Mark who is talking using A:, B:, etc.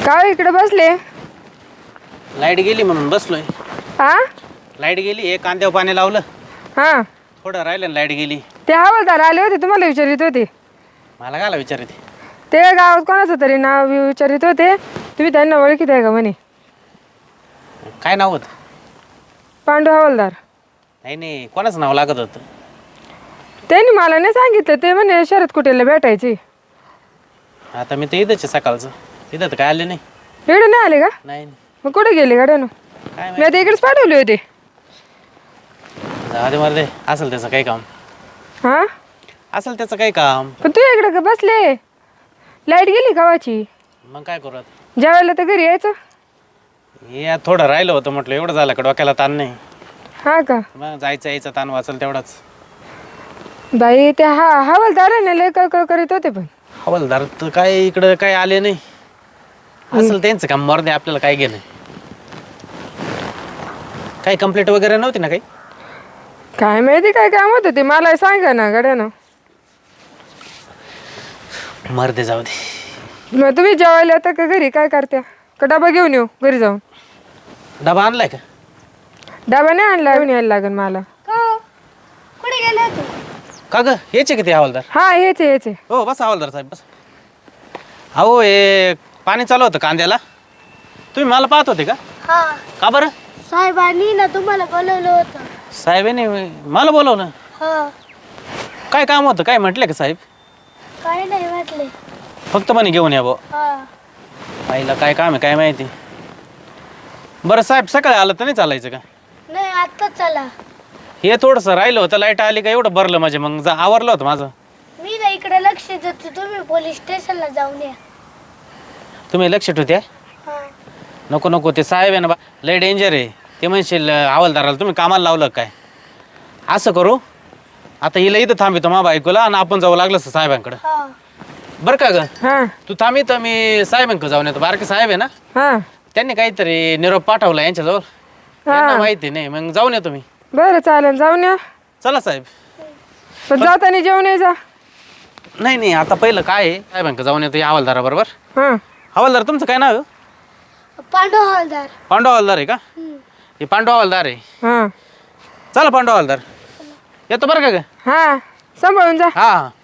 A: काय इकडे बसले?
B: लाईट गेली म्हणून बसलोय.
A: हा
B: लाईट गेली, हे कांद्यावर पाणी लावलं,
A: हा
B: थोडं राहिलं लाईट गेली.
A: ते हवालदार आले होते, तुम्हाला विचारित होते.
B: मला काला विचारते?
A: ते गावात कोणाचं तरी नाव विचारित होते, तुम्ही त्यांना ओळखीत आहे का म्हणे.
B: काय नाव होतं?
A: पांडू हवालदार.
B: नाही नाही, कोणाचं नाव लागत होतं?
A: त्यांनी मला नाही सांगितलं, ते म्हणे शरद कुटेला भेटायची.
B: आता मी तर इथंच आहे सकाळचं, इथं तर काय आले नाही.
A: एवढे नाही आले का?
B: नाही
A: मग कुठे गेले गाड्यानं?
B: काय
A: मी आता इकडेच पाठवले होते.
B: जाऊ दे मर्दे, असेल त्याचं काही काम,
A: हा
B: असेल त्याचं काही काम.
A: पण तू इकडे का बसले? लाईट गेली गावाची.
B: मग काय करू आता?
A: जेवायला तर घरी यायचं.
B: हे आज थोडं राहिलं होतं, म्हटलं एवढं झालं का डोक्याला ताण नाही.
A: हा का?
B: मग जायचं यायचं ताण वाचल तेवढाच.
A: बाई ते हवालदाराने लय कळकळ करीत होते. पण
B: हवालदार तर काय इकडं काय आले नाही. असेल त्यांचं काम, मर्दे आपल्याला काय घेणं. काही कंप्लेंट वगैरे नव्हती ना काही?
A: काय माहिती काय काम होतं ते, मला सांगा ना गाड्यानं.
B: मर्दे जाऊ दे.
A: मग तुम्ही जेवायला येता का घरी? काय करत्या? का डबा घेऊन येऊ घरी जाऊन?
B: डबा आणलाय का?
A: डबा नाही आणला, घेऊन यायला लागेल मला.
C: कुठे गेले होते?
B: का ग, यायचे किती हवालदार?
A: हा हेच हेच.
B: हो बस हवालदार साहेब बस. अहो हे पाणी चालू होतं कांद्याला, तुम्ही मला पाहत होते का?
C: हा,
B: का बरं?
C: साहेबांनी ना तुम्हाला बोलवलं होतं.
B: साहेबांनी मला बोलवलं?
C: हा,
B: काय काम होतं, काय म्हटलं का साहेब?
C: काय नाही म्हटले.
B: फक्त म्हणे घेऊन या भाऊ.
C: हा,
B: आईला काय काम आहे काय माहिती. बरं साहेब, सकाळी आलं तर नाही चालायचं का?
C: नाही आत्ताच चला.
B: हे थोडंसं राहिलं होतं, लाईट आली का एवढं भरलं म्हणजे, मग आवरलं होतं माझं.
C: मी ना इकडे लक्ष देतो, तुम्ही पोलीस स्टेशनला जाऊन या.
B: तुम्ही लक्ष ठेवते?
C: हा,
B: नको नको, ते साहेब आहे ना बा, लय डेंजर आहे ते. म्हणशील हवालदाराला तुम्ही कामाला लावलं काय? असं करू, आता हिला इथं थांबितो मा बायकोला, आणि आपण जाऊ लागलं साहेबांकडं.
C: हा,
B: बरं का ग?
A: हा
B: तू थांबी तर मी साहेबांकडे जाऊन येतो. बारके साहेब आहे ना,
A: हा
B: त्यांनी काहीतरी निरोप पाठवला यांच्याजवळ, त्यांना माहिती नाही. मग जाऊन येतो मी.
A: बरं चालेल, जाऊन या.
B: चला साहेब.
A: पण जाताना जेवण यायचा.
B: नाही नाही, आता पहिलं काय आहे, साहेबांकडे जाऊन येतो या हवालदाराबरोबर.
A: हा
B: हवालदार तुमचं काय नाव आहे?
C: पांडू हवालदार.
B: पांडू हवालदार आहे का? हे पांडू हवालदार आहे.
A: हा
B: चला पांडू हवालदार, येतो बरं का ग?
A: हा सांभाळून जा.
B: हा हा.